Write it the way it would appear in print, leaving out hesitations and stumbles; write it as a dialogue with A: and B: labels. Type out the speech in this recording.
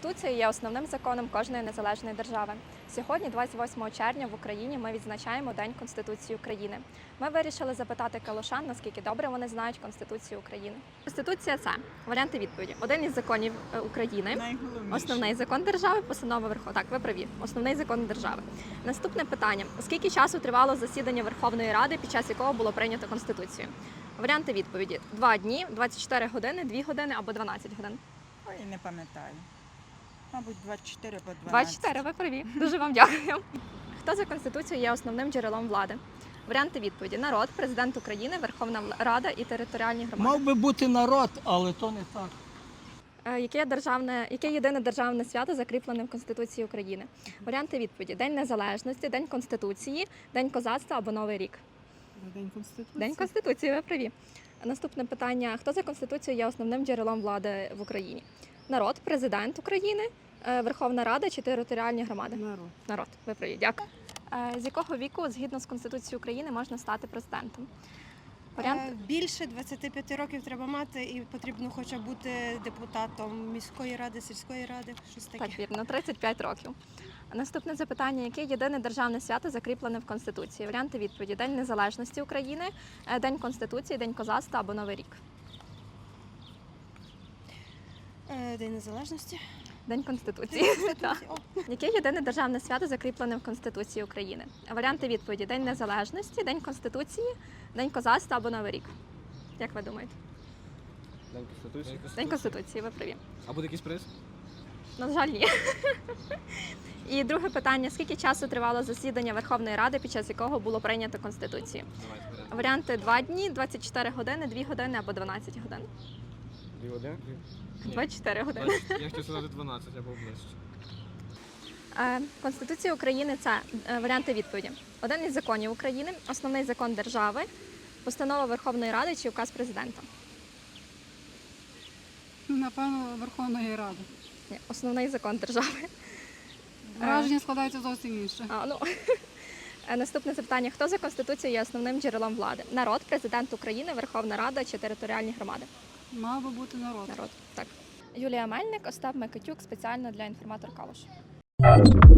A: Конституція є основним законом кожної незалежної держави. Сьогодні, 28 червня, в Україні ми відзначаємо День Конституції України. Ми вирішили запитати калушан, наскільки добре вони знають Конституцію України. Конституція – це варіанти відповіді. Один із законів України, основний закон держави, постанова Верховної. Так, ви праві. Основний закон держави. Наступне питання: скільки часу тривало засідання Верховної Ради, під час якого було прийнято Конституцію? Варіанти відповіді: 2 дні, 24 години, 2 години або 12 годин.
B: Ой, не пам'ятаю. Мабуть, 24 або 12.
A: 24, ви праві. Дуже вам дякую. Хто за Конституцією є основним джерелом влади? Варіанти відповіді: народ, президент України, Верховна Рада і територіальні громади.
C: Мав би бути народ, але то не так.
A: Яке єдине державне свято закріплене в Конституції України? Варіанти відповіді: День Незалежності, День Конституції, День козацтва або Новий рік.
D: День Конституції.
A: День Конституції, ви праві. Наступне питання: хто за Конституцією є основним джерелом влади в Україні? Народ, президент України, Верховна Рада чи територіальні громади?
D: Народ.
A: Народ, ви праві. Дякую. З якого віку, згідно з Конституцією України, можна стати президентом? Варіант?
E: Більше 25 років треба мати і потрібно хоча б бути депутатом міської ради, сільської ради, щось таке.
A: Так, вірно, 35 років. Наступне запитання: яке єдине державне свято закріплене в Конституції? Варіанти відповіді: День Незалежності України, День Конституції, День козацтва або Новий рік.
E: День Незалежності.
A: День Конституції. Так. Яке єдине державне свято закріплене в Конституції України? Варіанти відповіді: День Незалежності, День Конституції, День козацтва або Новий рік. Як ви думаєте?
F: День Конституції.
A: День Конституції, ви праві.
F: А буде якийсь приз?
A: На жаль, ні. І друге питання: скільки часу тривало засідання Верховної Ради, під час якого було прийнято Конституцію?
F: Давайте беремо.
A: Варіанти: 2 дні, 24 години, 2 години або 12 годин.
F: 2 години?
A: 24 години.
F: Я хотів сказати 12, я був ближче.
A: Конституція України – це варіанти відповіді: один із законів України, основний закон держави, постанова Верховної Ради чи указ президента.
D: Напевно, Верховної Ради.
A: Ні, основний закон держави.
D: Враження складається зовсім інше.
A: Наступне запитання: хто за Конституцією є основним джерелом влади? Народ, президент України, Верховна Рада чи територіальні громади?
D: Мав би бути народ.
A: Народ, так. Юлія Мельник, Остап Микитюк, спеціально для інформатор Калуш.